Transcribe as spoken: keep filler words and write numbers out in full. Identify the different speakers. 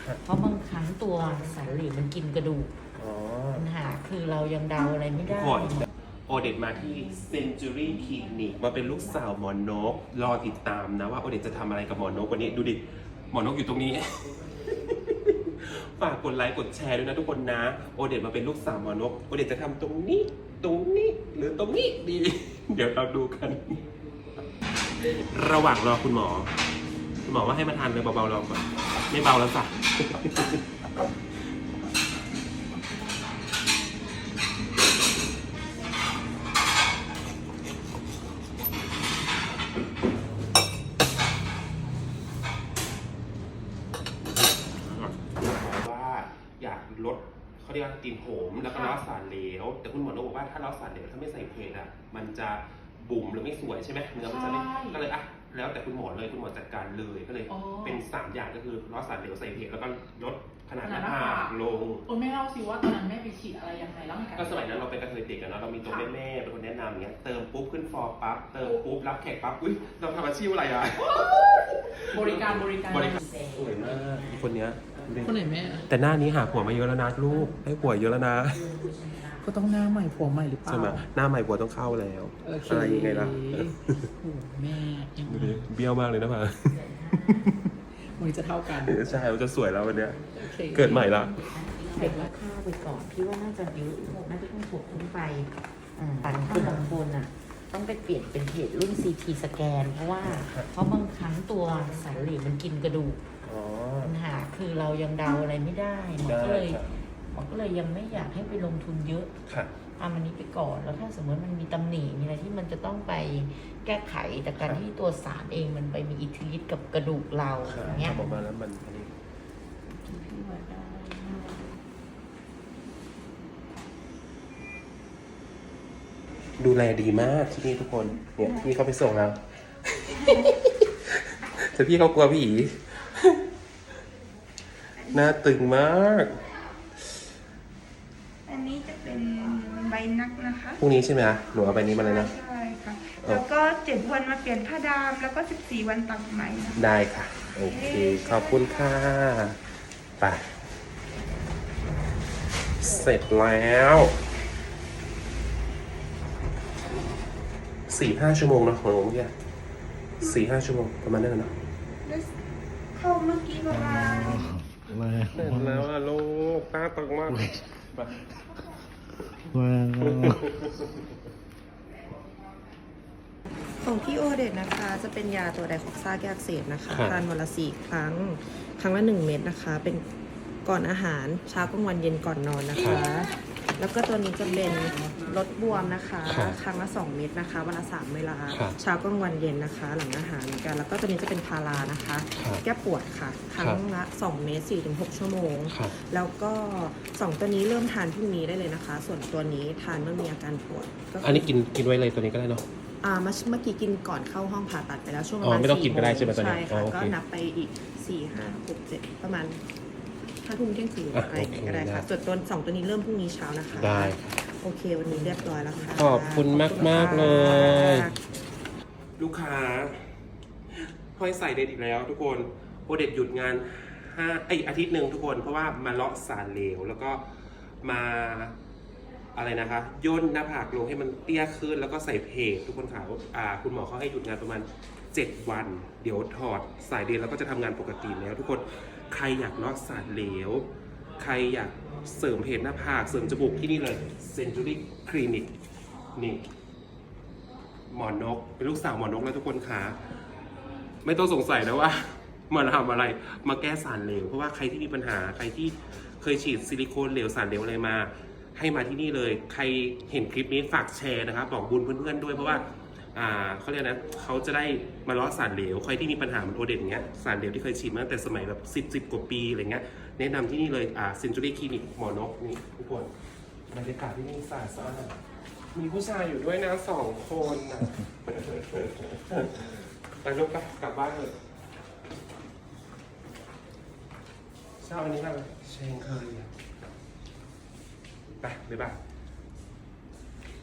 Speaker 1: เพราะบางครั้งตัวสารเหลวมันกินกระดูกปัญหาคือเรายังเดาอะไรไม่ได้
Speaker 2: โอเดตมาที่ Century Clinic มาเป็นลูกสาวหมอนกรอติดตามนะว่าโอเดตจะทำอะไรกับหมอนกวันนี้ดูดิหมอนกอยู่ตรงนี้ ฝากกดไลค์กดแชร์ด้วยนะทุกคนนะโอเดตมาเป็นลูกสาวหมอนกโอเดตจะทำตรงนี้ตรงนี้หรือตรงนี้ดี เดี๋ยวเราดูกัน ระหว่างรอคุณหมอคุณหมอว่าให้มาทานเลยเบาๆลองก่อนไม่เบาแล้วจ้ะอยากลดเขาเรียกว่าตีนโหมแล้วก็ล้อสารเหลวแต่คุณหมอบอกว่าถ้าล้อสารเหลวถ้าไม่ใส่เพจอ่ะมันจะบุ๋มหรือไม่สวยใช่ไหมเนื้อมันจะไม่ก็เลยอ่ะแล้วแต่คุณหมอเลยคุณหมอจัดการเลยก็เลยเป็นสามอย่างก็คือล้อสารเหลวใส่เพจแล้วก็ลดขนาดหน้าผากลง
Speaker 3: โอ้ไม่เล่าสิว่าตอนนั้นแม่ไปฉีดอะไรยังไงแล้ว
Speaker 2: ก็สมัยนั้นเราเป็นกระเทยเด็กกันเนาะเรามีตัวแม่แม่เป็นคนแนะนำอย่างเงี้ยเติมปุ๊บขึ้นฟอร์ปั๊บเติมปุ๊บรับแขกปั๊บอุ้ยเราทำอาชีพอะไรอ่ะ
Speaker 3: บริการบริการ
Speaker 2: บริการสวยมากคนเนี้ย
Speaker 3: คนไหนแม่
Speaker 2: แต่หน้านี้หาผัวมาเยอะแล้วนะลูกให้ผัวเยอะแล้วนะ
Speaker 3: ก็ต้องหน้าใหม่ผัวใหม่หรือเปล่า
Speaker 2: ใช่ไหมหน้าใหม่ผัวต้องเข้าแล้วอะไรยังไงล่ะ
Speaker 3: โอ้แม่ยัง
Speaker 2: เบี้ยวมากเลยนะพ่อ
Speaker 3: มันจะเท่ากัน
Speaker 2: ใช่มันจะสวยแล้ววันเนี้ยเกิดใหม่ละ
Speaker 1: เด็กราคาไปก่อนพี่ว่าน่าจะเยอะน่าจะต้องถูกขึ้นไปแต่ถ้าบางคนอ่ะต้องไปเปลี่ยนเป็นเพจรุ่น ซี ที สแกนเพราะว่าเพราะบางครั้งตัวสารเหลวมันกินกระดูกปัญหาคือเรายังเดาอะไรไม่ได้หมอก็เลยหมอก็เลยยังไม่อยากให้ไปลงทุนเยอะเอามันนี้ไปก่อนแล้วถ้าสมมติมันมีตำหนิมีอะไรที่มันจะต้องไปแก้ไขแต่การที่ตัวสารเองมันไปมีอิทธิฤทธิ์กับกระดูกเราอย่างเงี้ย
Speaker 2: ออกมาแล้วมันอันนี้ดูแลดีมากที่นี่ทุกคนเนี่ยพี่เขาไปส่งเราแต่พี่เขากลัวผีหน้าตึงมาก
Speaker 4: อันนี้จะเป็นใบนักนะคะ
Speaker 2: พรุ่งนี้ใช่ไหมหนูเอาใบนี้มาเลยนะ
Speaker 4: ใช่ค่ะแล้วก็เจ็ดวันมาเปลี่ยนผ้าดามแล้วก็สิบสี่วันตัดไหมนะ
Speaker 2: ได้ค่ะโอเคขอบคุณค่ะไปเสร็จแล้วสี่ห้าชั่วโมงนะของหนูเมื่อกี้สี่ห้าชั่วโมงประมาณนั้นนะ
Speaker 4: เข้าเมื่อกี้ประมาณ
Speaker 2: เสร็จแล้วอะลูกตาตึงมาก
Speaker 5: ของพี่โอเดตนะคะจะเป็นยาตัวไดคอกซ่าแก้อักเสบนะคะทานวันละสี่ครั้งครั้งละหนึ่งเม็ดนะคะเป็นก่อนอาหารเช้ากลางวันเย็นก่อนนอนนะคะแล้วก็ตัวนี้จะเป็นลดบวมนะคะครั้งละสองเม็ดนะคะวันละสามเวลาเช้ากลางวันเย็นนะคะหลังอาหารเหมือนกันแล้วก็ตัวนี้จะเป็นพารานะคะแก้ปวดค่ะครั้งละสองเม็ดสี่ถึงหกชั่วโมงแล้วก็สองตัวนี้เริ่มทานพรุ่งนี้ได้เลยนะคะส่วนตัวนี้ทานเมื่อมีอาการปวด
Speaker 2: อันนี้กินกินไว้เลยตัวนี้ก็ได้เนาะ
Speaker 5: อ่าเมื่อกี้กินก่อนเข้าห้องผ่าตัดไปแล้วช่วงประมาณ
Speaker 2: ไม่ต้องกินก็ได้ใช่ไหมตอนนี้
Speaker 5: ใช่ค่ะก็นับไปอีกสี่ห้าหกเจ็ดประมาณห้าทุ่มเที่ยงคืนอะไรก็ได้ค่ะส่วนตัวสองตัวนี้เริ่มพรุ่งนี้เช้านะคะ
Speaker 2: ได้
Speaker 5: โอเควันนี้เรียบร้อยแล้วค่ะ
Speaker 2: ขอบคุณมากมากเลยลูกค้าห้อยใส่เด็ดอีกแล้วทุกคนโอเด็ดหยุดงานห้าไออาทิตย์หนึ่งทุกคนเพราะว่ามาเลาะสารเหลวแล้วก็มาอะไรนะคะย่นหน้าผากลงให้มันเตี้ยขึ้นแล้วก็ใส่เพจทุกคนค่ะอ่าคุณหมอเขาให้หยุดงานประมาณเจ็ดวันเดี๋ยวถอดสายเดนแล้วก็จะทำงานปกติแล้วทุกคนใครอยากเลาะสารเหลวใครอยากเสริมเพจหน้าผากเสริมจมูกที่นี่เลย Century Clinic นี่หมอนกเป็นลูกสาวหมอนกแล้วทุกคนค่ะไม่ต้องสงสัยนะว่ามาทำอะไรมาแก้สารเหลวเพราะว่าใครที่มีปัญหาใครที่เคยฉีดซิลิโคนเหลวสารเหลวอะไรมาให้มาที่นี่เลยใครเห็นคลิปนี้ฝากแชร์นะครับบอกบุญเพื่อนๆด้วยเพราะว่าอ่าเขาเรียกนะเขาจะได้มาล้อสารเหลวใครที่มีปัญหาเหมือนโอเดนเงี้ยสารเหลวที่เคยฉีดมาตั้งแต่สมัยแบบสิบสิบกว่าปีอะไรเงี้ยแนะนำที่นี่เลยอ่า Century Clinic หมอนกนี่ทุกคนบรรยากาศที่นี่สะอาดสะอาดมีผู้ชายอยู่ด้วยนะสองคนนะไปลูกกลับบ้านเลยเช้าอันนี้กันเชงเคยไปบ๊ายบาย